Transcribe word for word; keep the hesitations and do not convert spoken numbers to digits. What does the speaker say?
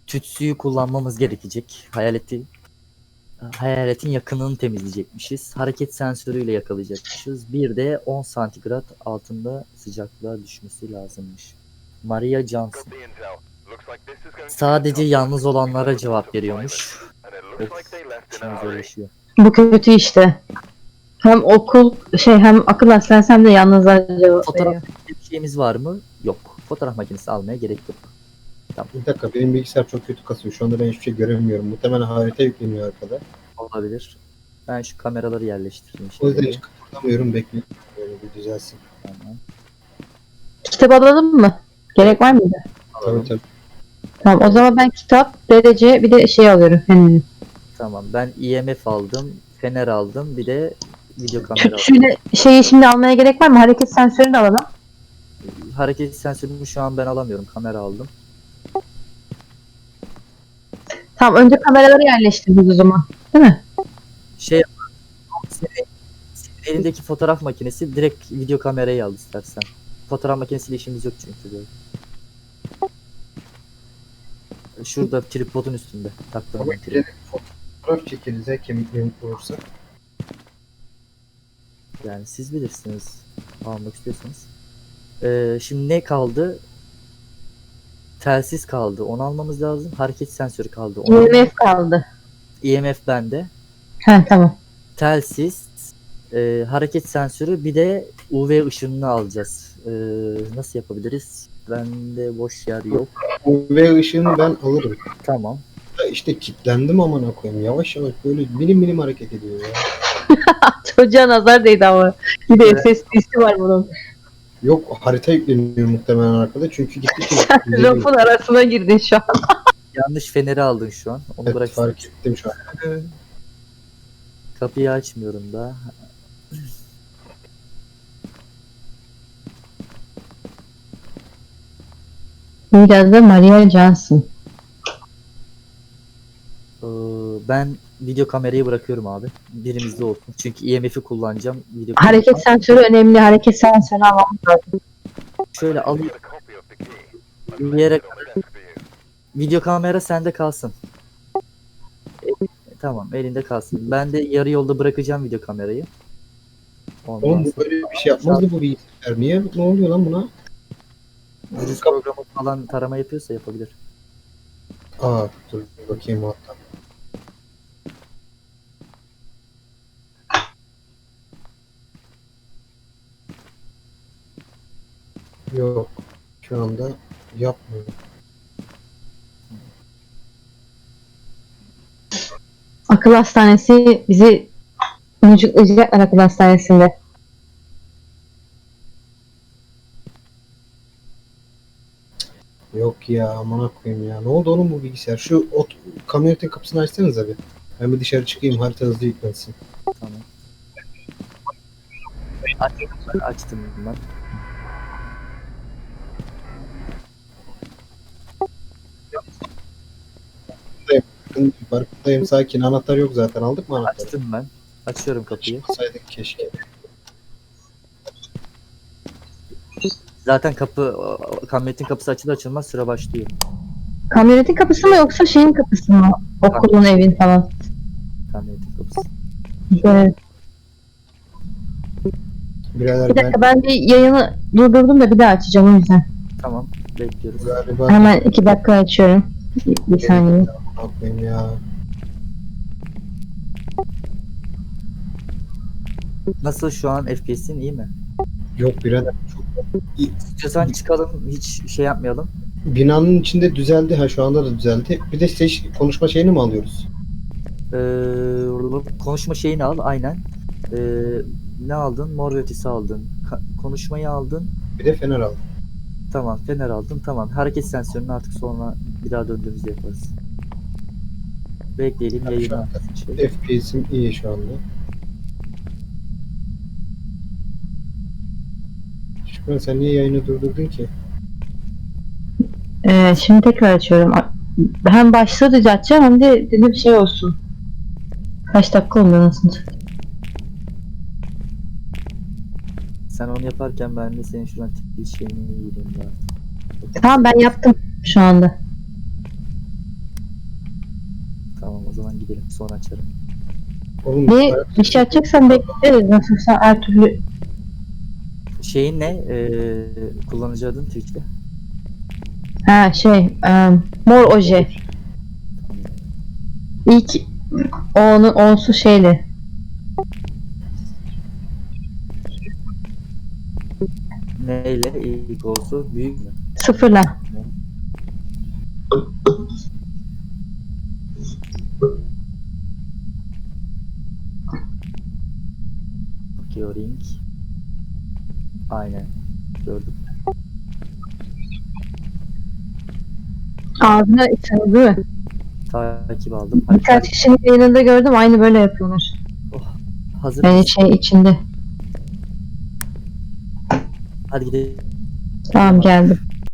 tütsüyü kullanmamız gerekecek. Hayaleti hayaletin yakınını temizleyecekmişiz. Hareket sensörüyle yakalayacakmışız. Bir de on santigrat altında sıcaklığa düşmesi lazımmış. Maria Johnson. Sadece yalnız olanlara cevap veriyormuş. Of, işimiz zorlaşıyor. Bu kötü işte. Hem okul şey hem akıl hastanesi hem de yalnızlar cevap Fotoğraf veriyor. bir şeyimiz var mı? Yok. Fotoğraf makinesi almaya gerek yok. Bir dakika, benim bilgisayar çok kötü kasıyor. Şu anda ben hiçbir şey göremiyorum. Muhtemelen harita yükleniyor arkada. Olabilir. Ben şu kameraları yerleştireyim O yüzden şimdi. hiç kıpırdamıyorum. Bekliyorum. Böyle bir düzelsin. Tamam. Kitap alalım mı? Gerek var mıydı? Tabii tabii. Tamam o zaman ben kitap, derece bir de şey alıyorum. Fener. Tamam. Ben E M F aldım. Fener aldım. Bir de video kamera aldım. Tütsüyle şeyi şimdi almaya gerek var mı? Hareket sensörünü de alalım. Hareket sensörünü şu an ben alamıyorum. Kamera aldım. Tamam önce kameraları yerleştiririz o zaman. Değil mi? Şey senin, senin elindeki fotoğraf makinesi direkt video kamerayı al istersen. Fotoğraf makinesiyle işimiz yok çünkü böyle. Şurada tripodun üstünde taktım Ama ben tripod. yine fotoğraf çekeriz ya, kemiklerim olursa. Yani siz bilirsiniz. Almak istiyorsanız. Ee, şimdi ne kaldı? Telsiz kaldı. Onu almamız lazım. Hareket sensörü kaldı. Onu E M F kaldı. E M F bende. He tamam. Telsiz, e, hareket sensörü, bir de U V ışınını alacağız. E, nasıl yapabiliriz? Bende boş yer yok. U V ışığını ben alırım. Tamam. Ya İşte kilitlendim amına koyayım. Yavaş yavaş böyle milim milim hareket ediyor ya. Çocuğa nazar değdi ama. Bir de S S D'si var bunun. Yok, harita yükleniyor muhtemelen arkada. Çünkü gittikçe Rafın arasına girdin şu an. Yanlış feneri aldın şu an. Onu evet, bırak. fark ettim şu an. Kapıyı açmıyorum da. Biraz da Maria Johnson. E, ben video kamerayı bırakıyorum abi. Birimizde olsun. Çünkü E M F'i kullanacağım. Video Hareket sensörü önemli. Hareket sensörü almamız lazım. Şöyle alayım. Bir yere video kamera sende kalsın. E, tamam, elinde kalsın. Ben de yarı yolda bırakacağım video kamerayı. Ondan Oğlum bu sonra böyle bir şey yapmazdı bu bilgisayar. Niye? Ne oluyor lan buna? virüs programı falan tarama yapıyorsa yapabilir. Aa dur bakayım hatta. Yok. Şu anda yapmıyor. Akıl hastanesi bizi mucuklayacaklar akıl hastanesinde. Yok ya, amına koyayım ya. Ne oldu oğlum bu bilgisayar? Şu ot kamyonetin kapısını açsanız abi. Ben bir dışarı çıkayım, harita hızlı yüklensin. Tamam. Aç, açtım ben. Bakın, farkındayım, sakin. Anahtar yok zaten. Aldık mı anahtarı? Açtım ben. Açıyorum kapıyı. Çıksaydık keşke. Zaten kapı, o- kamyonetin kapısı açılır açılmaz süre başlıyor. Kamyonetin kapısı mı yoksa şeyin kapısı mı? Okulun, evin falan. Kamyonetin kapısı. Evet. Birader Bir ben dakika ben bir yayını durdurdum da bir daha açacağım o yüzden. Tamam, bekliyoruz. galiba Hemen iki dakika açıyorum. Bir, bir saniye. Amına koyayım ya. Nasıl şu an F P S'in iyi mi? Yok birader. Çok... İstiyorsan çıkalım, hiç şey yapmayalım. Binanın içinde düzeldi. Ha şu anda da düzeldi. Bir de seç, konuşma şeyini mi alıyoruz? Ee, konuşma şeyini al, aynen. Ee, ne aldın? Mor ve ötesi aldın. Ka- konuşmayı aldın. Bir de fener al. Tamam, fener aldın. Tamam. Hareket sensörünü artık sonra bir daha döndüğümüzde yaparız. Bekleyelim Şu yayını. anda Şey. F P S'im iyi şu anda. Şükran sen niye yayını durdurdun ki? Ee, şimdi tekrar açıyorum. Hem başlığı düzelteceğim hem de dedim şey olsun. Kaç dakika oldu nasıl? Sen onu yaparken ben de senin şuradan tip bir şeyini yiyeyim daha. Tamam ben yaptım şu anda. Tamam o zaman gidelim. Sonra açarım. Oğlum Ne bir şey açacaksan bekleriz. Nasılsa her türlü. Şeyin ne? Ee, kullanıcı adın Twitch'te. Ha şey em, mor oje. Tamam. İlk onun onsu şeyle. Neyle ilk olsun? Büyük mü? Sıfırla. Georing. Aynen. Gördüm. Ağzına içine değil mi? Takip aldım. Hadi, Birkaç kişinin yayınında gördüm. Aynı böyle yapıyorlar. hazır Yani mısın? şey içinde. Hadi gidelim. Tamam geldim.